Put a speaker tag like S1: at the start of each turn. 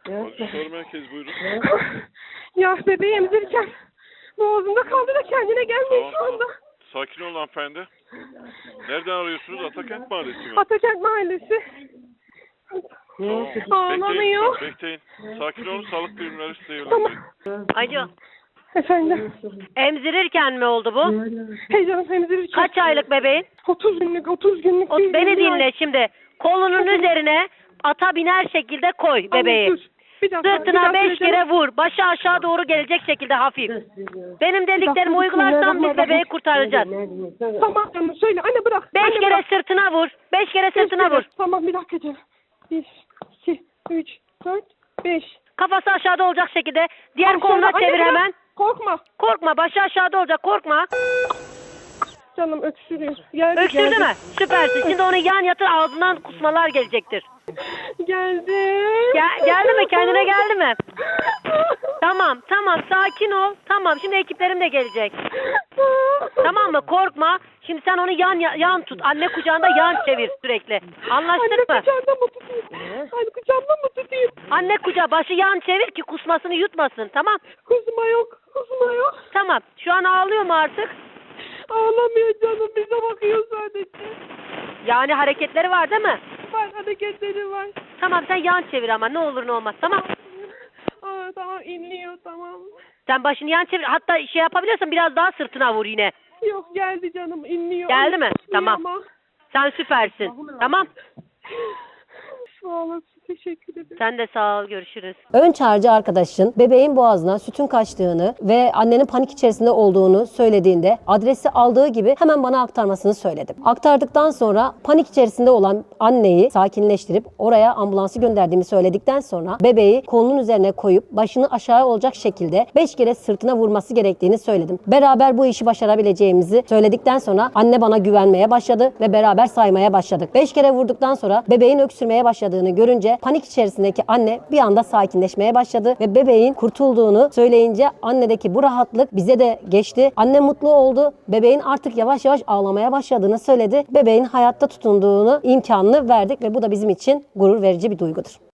S1: Soru merkezi buyurun.
S2: Ya bebeği emzirirken boğazımda kaldı da kendine gelmiyor şu anda.
S1: Sakin olun hanımefendi. Nereden arıyorsunuz? Atakent Mahallesi mi?
S2: Atakent Mahallesi.
S1: Tamam.
S2: Ağlamıyor.
S1: Bekleyin. Sakin olun. Sağlık birimleri size
S2: Tamam.
S1: yönlendirin.
S3: Alo.
S2: Efendim.
S3: Emzirirken mi oldu bu?
S2: Heyecanım emzirirken.
S3: Kaç aylık bebeğin?
S2: 30 günlük. değil,
S3: Beni
S2: 20 ay.
S3: dinle şimdi. Kolunun üzerine ata biner şekilde koy bebeği.
S2: Tamam, dur. Bir dakika,
S3: Sırtına 5
S2: söyleyeceğim.
S3: kere vur. Başı aşağı doğru gelecek şekilde hafif. Benim dediklerimi
S2: dakika,
S3: uygularsan biz bebeği kurtaracağız.
S2: Tamam canım söyle. Anne bırak.
S3: 5
S2: Anne,
S3: kere
S2: bırak.
S3: sırtına vur. 5 kere
S2: Beş
S3: sırtına
S2: kere.
S3: vur.
S2: Tamam bir dakika canım. 1, 2, 3, 4, 5.
S3: Kafası aşağıda olacak şekilde. Diğer
S2: Aşağıda.
S3: koluna
S2: Anne,
S3: çevir
S2: bırak.
S3: hemen.
S2: Korkma.
S3: Korkma. Başı aşağıda olacak. Korkma.
S2: Canım öksürüyor. Geldi,
S3: Öksürdü
S2: geldi.
S3: mü? Süpersin. Şimdi onu yan yatır, ağzından kusmalar gelecektir.
S2: Geldi.
S3: Geldi mi? Kendine geldi mi? Tamam sakin ol. Tamam şimdi ekiplerim de gelecek. Tamam mı? Korkma. Şimdi sen onu yan tut. Anne kucağında yan çevir sürekli. Anlaştık mı?
S2: Anne kucağında mı tutayım? Anne kucağında mı tutayım?
S3: Anne kucağı başı yan çevir ki kusmasını yutmasın. Tamam.
S2: Kusma yok.
S3: Tamam. Şu an ağlıyor mu artık?
S2: Ağlamıyor canım. Bize bakıyor sadece.
S3: Yani hareketleri var değil mi?
S2: Var hareketleri var.
S3: Tamam sen yan çevir ama ne olur ne olmaz. Tamam.
S2: Tamam inliyor tamam.
S3: Sen başını yan çevir. Hatta şey yapabiliyorsan biraz daha sırtına vur yine.
S2: Yok geldi canım inliyor.
S3: Geldi mi?
S2: İnliyor
S3: Tamam.
S2: ama.
S3: Sen süpersin. Tamam.
S2: Sağ olasın. Teşekkür ederim.
S3: Sen de sağ ol. Görüşürüz.
S4: Ön çağrıcı arkadaşın bebeğin boğazına sütün kaçtığını ve annenin panik içerisinde olduğunu söylediğinde adresi aldığı gibi hemen bana aktarmasını söyledim. Aktardıktan sonra panik içerisinde olan anneyi sakinleştirip oraya ambulansı gönderdiğimi söyledikten sonra bebeği kolunun üzerine koyup başını aşağı olacak şekilde 5 kere sırtına vurması gerektiğini söyledim. Beraber bu işi başarabileceğimizi söyledikten sonra anne bana güvenmeye başladı ve beraber saymaya başladık. 5 kere vurduktan sonra bebeğin öksürmeye başladığını görünce panik içerisindeki anne bir anda sakinleşmeye başladı ve bebeğin kurtulduğunu söyleyince annedeki bu rahatlık bize de geçti. Anne mutlu oldu. Bebeğin artık yavaş yavaş ağlamaya başladığını söyledi. Bebeğin hayatta tutunduğunu imkanını verdik ve bu da bizim için gurur verici bir duygudur.